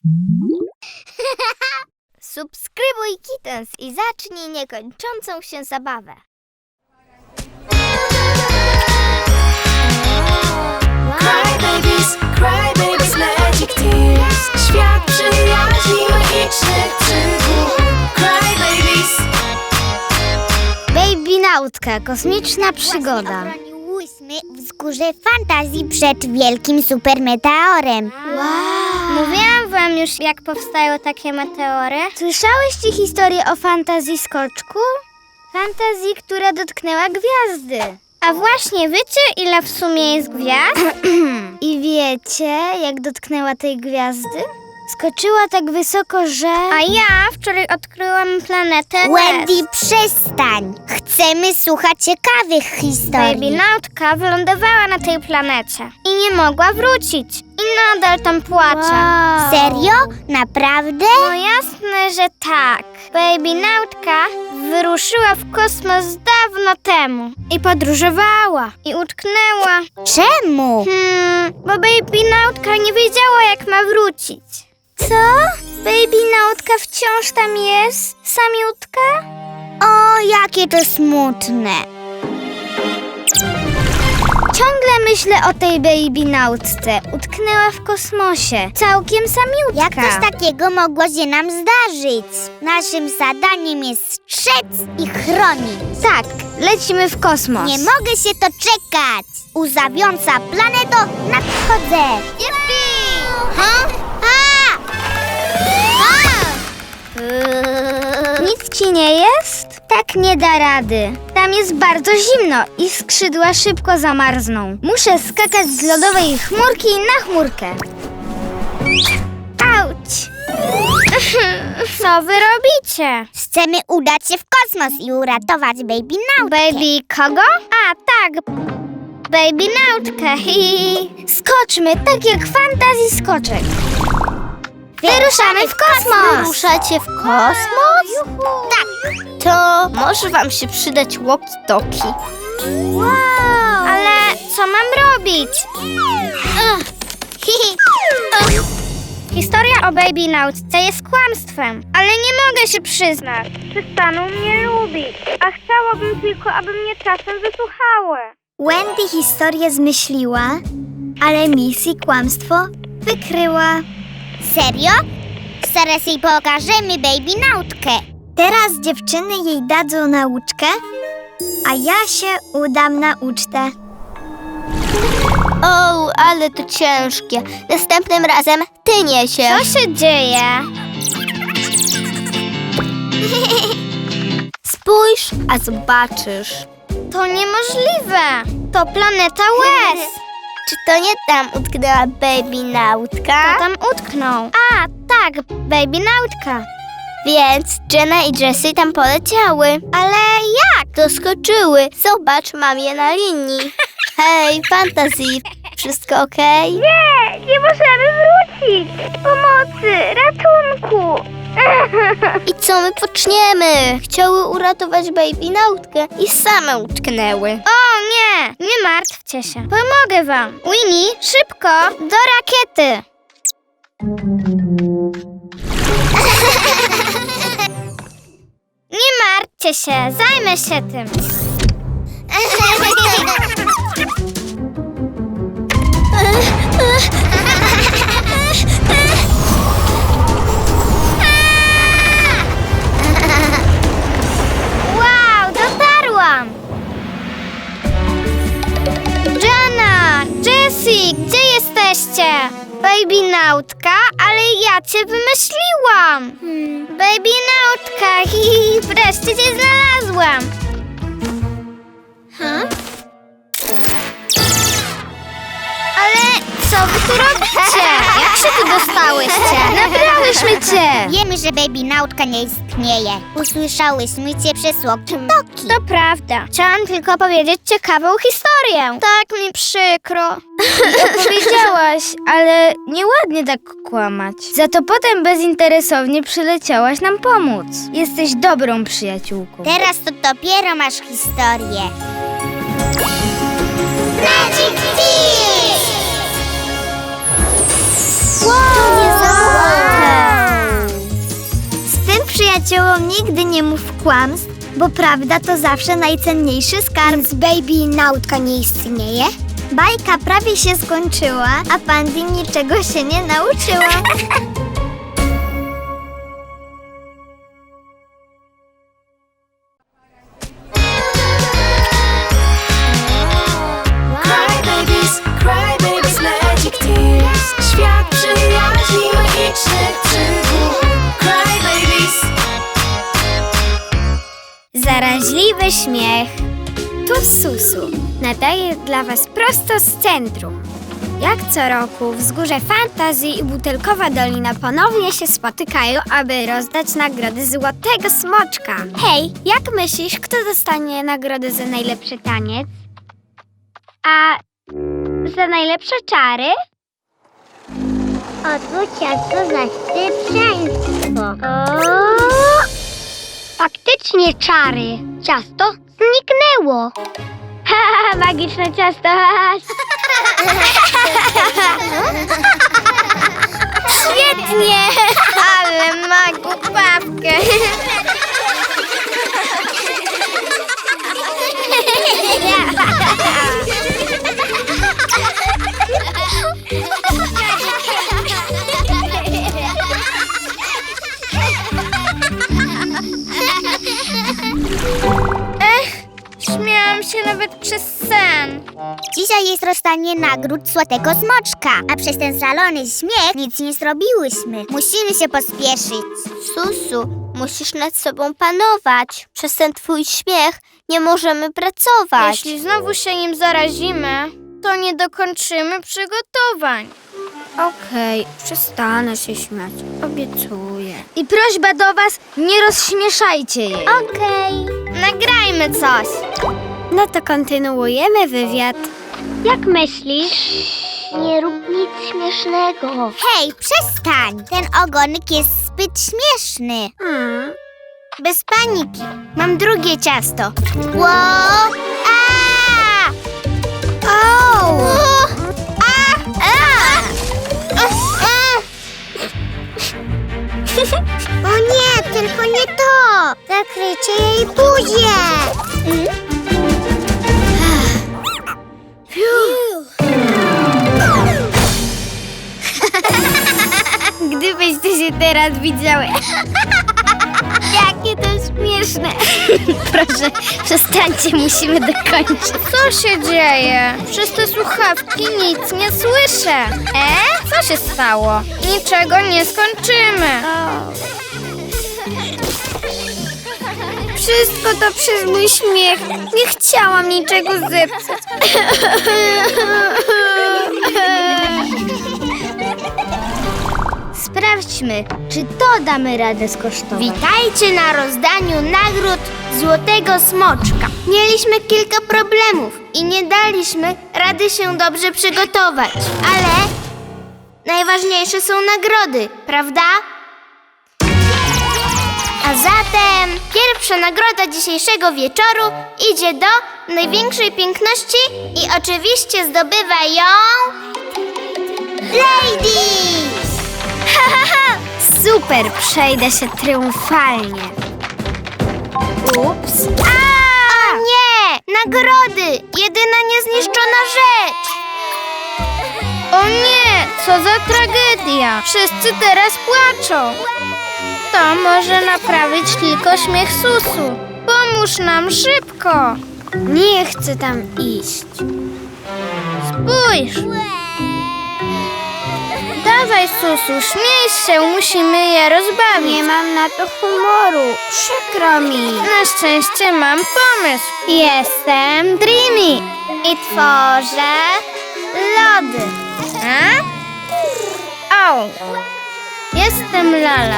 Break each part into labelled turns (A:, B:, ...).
A: Subskrybuj Kittens i zacznij niekończącą się zabawę.
B: Cry babies, magic tears. Świat przyjaźni, magicznych przygód. Cry babies.
A: Babynautka, kosmiczna przygoda.
C: Chroniłyśmy wzgórze fantazji przed wielkim supermeteorem.
A: Mówiłam wam już, jak powstają takie meteory. Słyszałyście historię o fantazji skoczku? Fantazji, która dotknęła gwiazdy. A właśnie, wiecie, ile w sumie jest gwiazd? I wiecie, jak dotknęła tej gwiazdy? Skoczyła tak wysoko, że... A ja wczoraj odkryłam planetę
C: Wendy, przestań! Chcemy słuchać ciekawych historii.
A: Babynautka wylądowała na tej planecie i nie mogła wrócić. I nadal tam płacze.
C: Serio? Naprawdę?
A: No jasne, że tak. Babynautka wyruszyła w kosmos dawno temu i podróżowała i utknęła.
C: Czemu?
A: Bo babynautka nie wiedziała, jak ma wrócić. Co? Babynautka wciąż tam jest? Samiutka?
C: O, jakie to smutne.
A: Ciągle myślę o tej babynautce. Utknęła w kosmosie. Całkiem samiutka.
C: Jak coś takiego mogło się nam zdarzyć? Naszym zadaniem jest strzec i chronić.
A: Tak, lecimy w kosmos.
C: Nie mogę się doczekać. Łzawiąca planeto, nadchodzę.
A: Jupi!
C: Ha? Ha! Ha!
A: Nic ci nie jest? Tak nie da rady. Tam jest bardzo zimno i skrzydła szybko zamarzną. Muszę skakać z lodowej chmurki na chmurkę. Auć! Co wy robicie?
C: Chcemy udać się w kosmos i uratować babynautkę.
A: Baby kogo? A, tak. Babynautkę. Skoczmy, tak jak w fantazji skoczek. Wyruszamy w kosmos!
C: Wyruszacie w kosmos?
A: Tak.
C: To
A: Może wam się przydać walkie-talkie. Wow! Ale co mam robić? Historia o babynautce jest kłamstwem, ale nie mogę się przyznać. Przestaną mnie lubić, a chciałabym tylko, aby mnie czasem wysłuchały. Wendy historię zmyśliła, ale Missy kłamstwo wykryła.
C: serio? Zaraz jej pokażemy babynautkę.
A: Teraz dziewczyny jej dadzą nauczkę, a ja się udam na ucztę.
C: O, ale to ciężkie. Następnym razem ty niesiesz.
A: Co się dzieje?
C: Spójrz, a zobaczysz.
A: To niemożliwe. To planeta łez.
C: Czy to nie tam utknęła babynautka?
A: Kto tam utknął? A, tak, babynautka.
C: Więc Jenna i Jessie tam poleciały.
A: Ale jak?
C: Doskoczyły. Zobacz, mam je na linii. Hej, Fantasy, wszystko okej?
A: Nie możemy wrócić. Pomocy, ratunku.
C: I co my poczniemy? Chciały uratować babynautkę i same utknęły.
A: O nie martwcie się. Pomogę wam. Winnie, szybko, do rakiety. Nie martwcie się, zajmę się tym. Wow, dotarłam! Jenna, Jessie, gdzie jesteście? Babynautka, ale ja cię wymyśliłam! Babynautka, wreszcie cię znalazłam! Ale co wy tu robicie? Jak się tu dostałyście? Nabrałyśmy cię!
C: Wiemy, że babynautka nie istnieje. Usłyszałyśmy cię przez walkie-talkie.
A: To prawda. Chciałam tylko powiedzieć ciekawą historię. Tak mi przykro. Opowiedziałaś, ale nieładnie tak kłamać. Za to potem bezinteresownie przyleciałaś nam pomóc. Jesteś dobrą przyjaciółką.
C: Teraz to dopiero masz historię. Magic Tears!
A: Wow! Nigdy nie mów kłamstw, bo prawda to zawsze najcenniejszy skarb. Więc Baby Nautka nie istnieje? Bajka prawie się skończyła, a Pandy niczego się nie nauczyła.
B: Cry babies, magic tears. Świat przyjaźni, magicznych przygód. Cry babies.
A: Zaraźliwy śmiech. Tu Susu. Nadaje dla Was prosto z centrum. Jak co roku Wzgórze Fantazji i Butelkowa Dolina ponownie się spotykają, aby rozdać nagrody Złotego Smoczka. Hej, jak myślisz, kto dostanie nagrodę za najlepszy taniec? A za najlepsze czary? Oto ciasto za szybszeństwo. Faktycznie czary. Ciasto zniknęło. Ha, magiczne ciasto. Świetnie! Ale ma głupawkę. Śmiałam się nawet przez sen.
D: Dzisiaj jest rozdanie nagród Złotego Smoczka, a przez ten szalony śmiech nic nie zrobiłyśmy. Musimy się pospieszyć.
C: Susu, musisz nad sobą panować. Przez ten twój śmiech nie możemy pracować.
A: Jeśli znowu się nim zarazimy, to nie dokończymy przygotowań. Okej, przestanę się śmiać. Obiecuję. I prośba do was, nie rozśmieszajcie jej. Okej. Nagrajmy coś. No to kontynuujemy wywiad. Jak myślisz?
D: Nie rób nic śmiesznego. Hej, przestań! Ten ogonek jest zbyt śmieszny.
A: Bez paniki. Mam drugie ciasto.
D: Wow! A!
A: Au!
D: O nie, tylko nie to! Zakryjcie jej buzię!
A: Gdybyście się teraz widziały. Jakie to śmieszne. Proszę, przestańcie, musimy dokończyć. Co się dzieje? Przez te słuchawki nic nie słyszę. Co się stało? Niczego nie skończymy. Wszystko to przez mój śmiech. Nie chciałam niczego zepsuć. Sprawdźmy, czy to damy radę skosztować. Witajcie na rozdaniu nagród Złotego Smoczka. Mieliśmy kilka problemów i nie daliśmy rady się dobrze przygotować. Ale najważniejsze są nagrody, prawda? A zatem pierwsza nagroda dzisiejszego wieczoru idzie do największej piękności i oczywiście zdobywa ją... Ladies! Super, przejdę się triumfalnie. Ups. O nie! Nagrody! Jedyna niezniszczona rzecz! O nie! Co za tragedia! Wszyscy teraz płaczą. To może naprawić tylko śmiech Susu. Pomóż nam szybko! Nie chcę tam iść. Spójrz! Dawaj, Susu, śmiej się, musimy je rozbawić. Nie mam na to humoru, przykro mi. Na szczęście mam pomysł. Jestem Dreamy i tworzę lody. O, jestem Lala.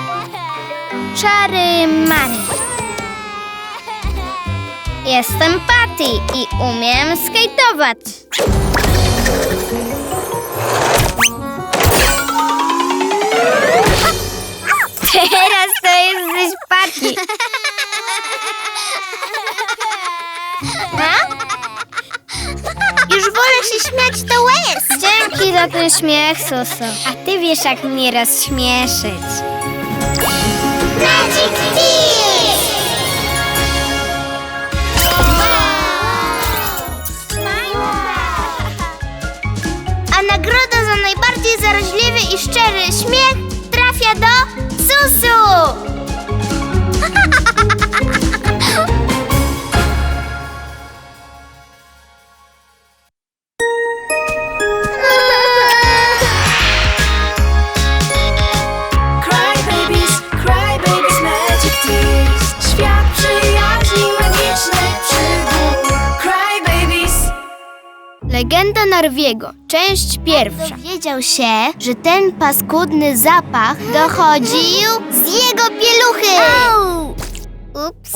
A: Czary Mary. Jestem Patty i umiem skejtować. Teraz to jesteś Patty.
D: Już wolę się śmiać do łez.
A: Dzięki za ten śmiech, Susu. A ty wiesz, jak mnie rozśmieszyć.
D: Magic Tea!
C: i szczery śmiech trafia do Susu!
B: Cry babies, magic tears. Świat przyjaźni, magicznych przygód. Cry babies.
C: Legenda Narwiego, część pierwsza. Dowiedział się, że ten paskudny zapach dochodził z jego pieluchy. Ups.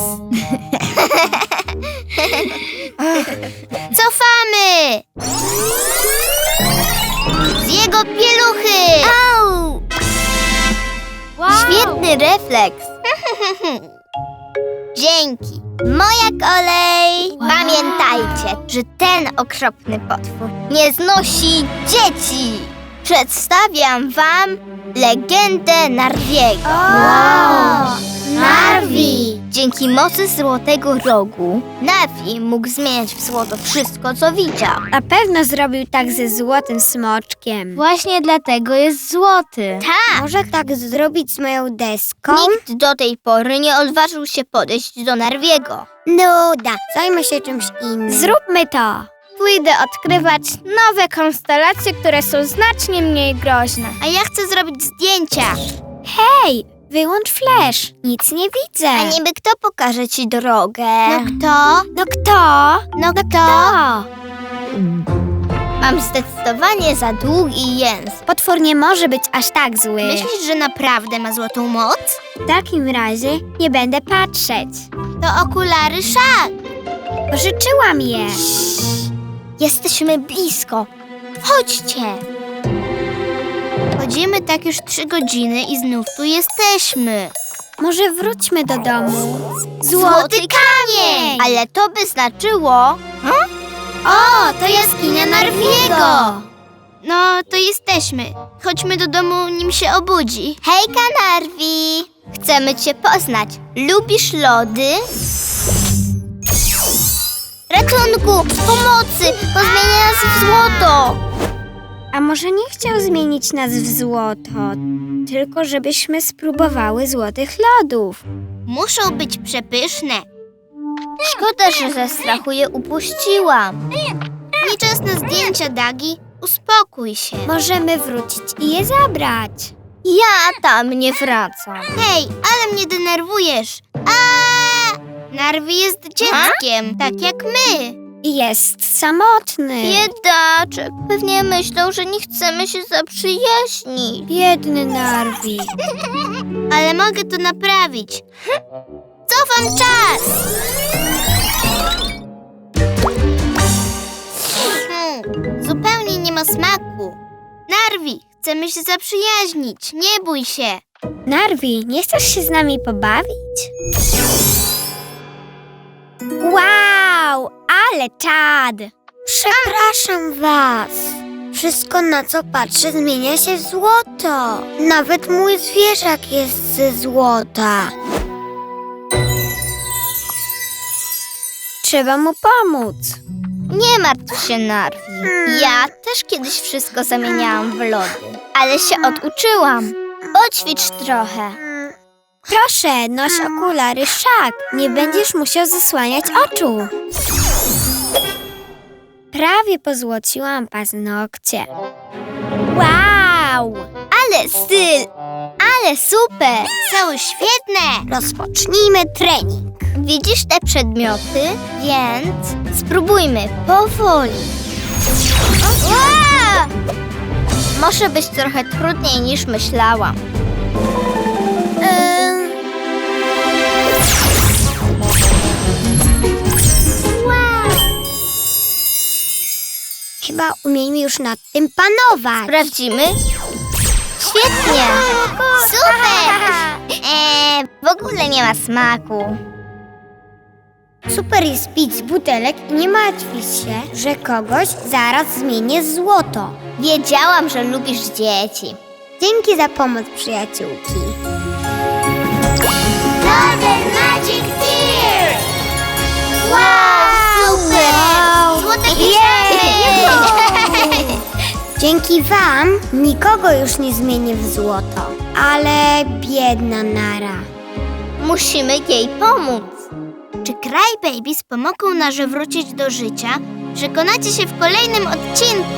C: Cofamy! Z jego pieluchy! Świetny refleks. Dzięki. Moja kolej. Pamiętajcie, że ten okropny potwór nie znosi dzieci. Przedstawiam wam legendę Narwiego. Narwi! Dzięki mocy Złotego Rogu Narwi mógł zmieniać w złoto wszystko, co widział.
A: Na pewno zrobił tak ze złotym smoczkiem.
C: Właśnie dlatego jest złoty. Tak!
A: Może tak zrobić z moją deską?
C: Nikt do tej pory nie odważył się podejść do Narwiego.
A: Nuda. Zajmę się czymś innym. Zróbmy to. Pójdę odkrywać nowe konstelacje, które są znacznie mniej groźne.
C: A ja chcę zrobić zdjęcia.
A: Hej, wyłącz flash. Nic nie widzę.
C: A niby kto pokaże ci drogę?
A: No kto? No kto?
C: No kto? Mam zdecydowanie za długi język.
A: Potwór nie może być aż tak zły.
C: Myślisz, że naprawdę ma złotą moc?
A: W takim razie nie będę patrzeć.
C: To okulary Szak.
A: Pożyczyłam je.
C: Jesteśmy blisko. Chodźcie. Chodzimy tak już 3 godziny i znów tu jesteśmy.
A: Może wróćmy do domu.
C: Złoty kamień! Ale to by znaczyło... O, to jaskinia Narwiego! No, to jesteśmy. Chodźmy do domu, nim się obudzi. Hejka, Narwi! Chcemy cię poznać. Lubisz lody? Ratunku! Pomocy! On zmienia nas w złoto!
A: A może nie chciał zmienić nas w złoto, tylko żebyśmy spróbowały złotych lodów.
C: Muszą być przepyszne. Szkoda, że ze strachu je upuściłam. Nie czas na zdjęcia, Dagi. Uspokój się.
A: Możemy wrócić i je zabrać.
C: Ja tam nie wracam. Hej, ale mnie denerwujesz. Narwi jest dzieckiem, tak jak my.
A: I jest samotny.
C: Biedaczek. Pewnie myślą, że nie chcemy się zaprzyjaźnić.
A: Biedny Narwi.
C: Ale mogę to naprawić. Cofam czas! Zupełnie nie ma smaku. Narwi, chcemy się zaprzyjaźnić. Nie bój się.
A: Narwi, nie chcesz się z nami pobawić? Wow, ale czad! Przepraszam was. Wszystko, na co patrzę, zmienia się w złoto. Nawet mój zwierzak jest ze złota. Trzeba mu pomóc.
C: Nie martw się, Narwi. Ja też kiedyś wszystko zamieniałam w lody, ale się oduczyłam. Poćwicz trochę.
A: Proszę, noś okulary Szak. Nie będziesz musiał zasłaniać oczu. Prawie pozłociłam paznokcie. Wow!
C: Ale styl! Ale super! Są świetne!
A: Rozpocznijmy trening.
C: Widzisz te przedmioty? Więc spróbujmy powoli. Ua! Może być trochę trudniej niż myślałam.
A: Chyba umiemy już nad tym panować.
C: Sprawdzimy? Świetnie! Super! W ogóle nie ma smaku.
A: Super jest pić z butelek i nie martwić się, że kogoś zaraz zmienię w złoto.
C: Wiedziałam, że lubisz dzieci.
A: Dzięki za pomoc, przyjaciółki.
C: Golden Magic Tears! Wow! Super! Złote
D: Dzięki wam nikogo już nie zmienię w złoto. Ale biedna Nara.
C: Musimy jej pomóc. Czy Crybabies pomogą Narze wrócić do życia? Przekonacie się w kolejnym odcinku.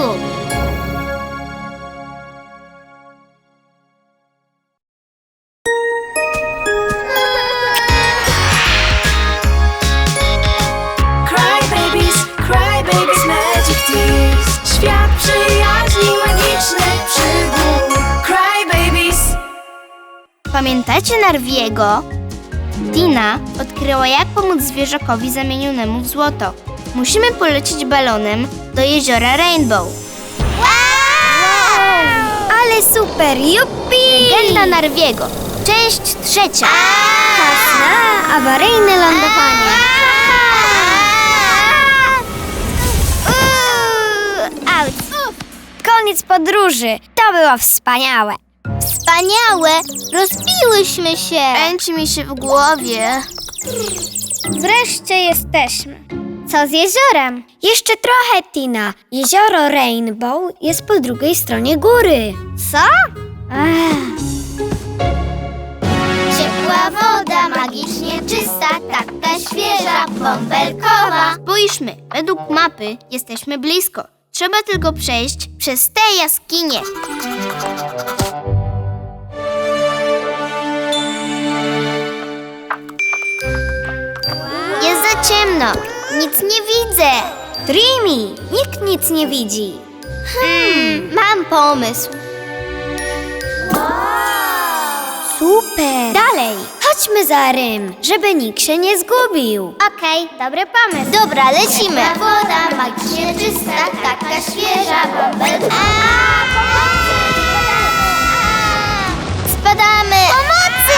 B: Cry babies, magic tears. Świat przyjaźni, magicznych przygód. Cry babies.
C: Pamiętacie Narwiego? Tina odkryła, jak pomóc zwierzakowi zamienionemu w złoto. Musimy polecieć balonem do jeziora Rainbow.
D: Ale super, jupi!
C: Legenda Narwiego, część 3.
D: Czas na awaryjne lądowanie. Koniec podróży. To było wspaniałe.
C: Wspaniałe! Rozbiłyśmy się! Kręci mi się w głowie.
A: Wreszcie jesteśmy. Co z jeziorem?
D: Jeszcze trochę, Tina. Jezioro Rainbow jest po drugiej stronie góry.
A: Co?
C: Ciepła woda, magicznie czysta, taka świeża, bąbelkowa. Spójrzmy, według mapy jesteśmy blisko. Trzeba tylko przejść przez tę jaskinię. Jest za ciemno. Nic nie widzę.
D: Dreamy, nikt nic nie widzi.
C: Mam pomysł.
D: Super. Dalej, chodźmy za Rym, żeby nikt się nie zgubił.
A: Okej, dobry pomysł.
C: Dobra, lecimy. Woda, magicznie czysta, taka świeża, bąbelkowa. Spadamy. Pomocy!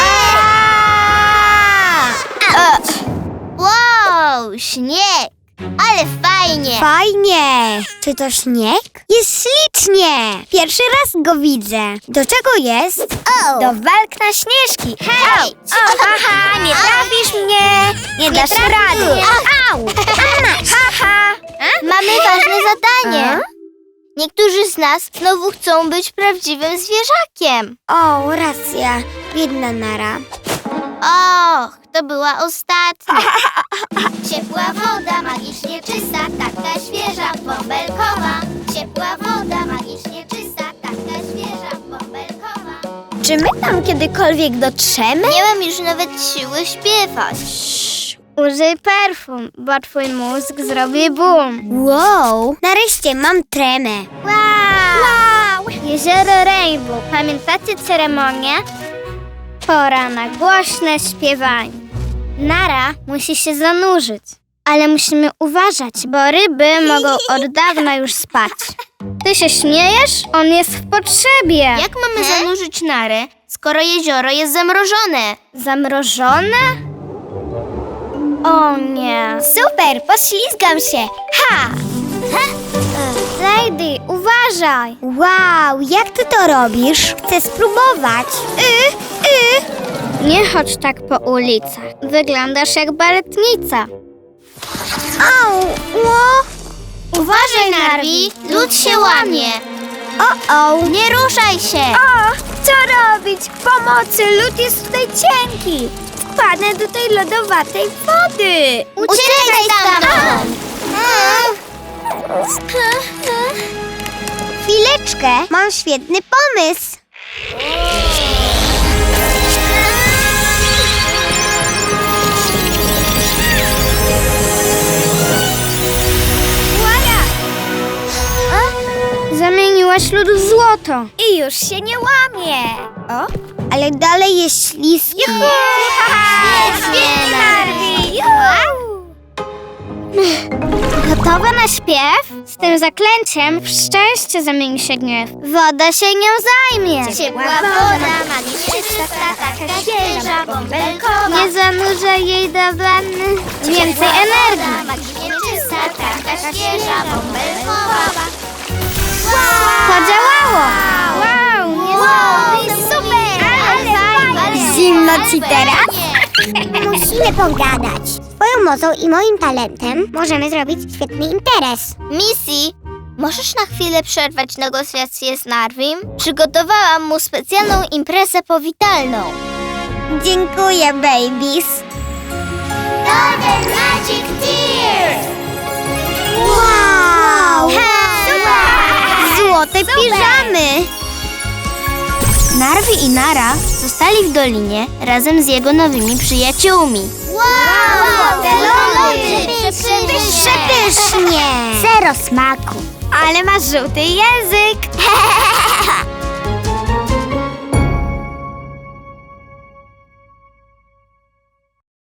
C: Wow, śnieg. Ale fajnie.
D: Fajnie. Czy to śnieg? Jest ślicznie. Pierwszy raz go widzę. Do czego jest? Do walk na śnieżki.
C: Hej!
D: Haha, nie trafisz mnie. Nie dasz rady. Au. Haha.
C: Mamy ważne zadanie. Niektórzy z nas znowu chcą być prawdziwym zwierzakiem.
D: O, racja. Biedna Nara.
C: Och, to była ostatnia. Ciepła woda, magicznie czysta, taka świeża, bąbelkowa. Ciepła woda, magicznie czysta, taka świeża, bąbelkowa.
D: Czy my tam kiedykolwiek dotrzemy?
C: Nie mam już nawet siły śpiewać.
A: Użyj perfum, bo twój mózg zrobi boom.
D: Wow, nareszcie mam tremę.
A: Wow! Jezioro Rainbow. Pamiętacie ceremonię? Pora na głośne śpiewanie. Nara musi się zanurzyć. Ale musimy uważać, bo ryby mogą od dawna już spać. Ty się śmiejesz? On jest w potrzebie.
C: Jak mamy zanurzyć Narę, skoro jezioro jest zamrożone?
A: Zamrożone? O nie.
D: Super, poślizgam się. Ha!
A: Lady, uważaj.
D: Wow, jak ty to robisz? Chcę spróbować.
A: Nie chodź tak po ulicach. Wyglądasz jak baletnica.
D: Au,
C: Uważaj, Narwi, lód się łamie.
D: o.
C: Nie ruszaj się.
D: O, co robić? Pomocy, lód jest tutaj cienki. Wpadnę do tej lodowatej wody.
C: Uciekaj stamtąd.
D: Chwileczkę, mam świetny pomysł.
A: Zamieniłaś lód w złoto.
D: I już się nie łamie. O, ale dalej jest śliskie.
C: Świetnie, Narwi.
A: Gotowa na śpiew? Z tym zaklęciem w szczęście zamieni się gniew. Woda się nią zajmie.
C: Ciepła woda, magicznie czysta, taka świeża, bąbelkowa.
A: Nie zanurzaj jej do wanny. Więcej energii.
C: Magicznie czysta, taka świeża, bąbelkowa.
A: Podziałało. Wow,
C: Super, ale fajnie.
D: Zimno ci teraz? Musimy pogadać. Swoją mocą i moim talentem możemy zrobić świetny interes.
C: Missy, Możesz na chwilę przerwać negocjacje z Narwim? Przygotowałam mu specjalną imprezę powitalną.
D: Dziękuję, babies.
C: Golden Magic Tears!
D: Wow! Złote piżamy!
C: Narwi i Nara zostali w dolinie razem z jego nowymi przyjaciółmi.
D: Wow!
C: te lody!
D: Przepysznie! Zero smaku. Ale masz żółty język.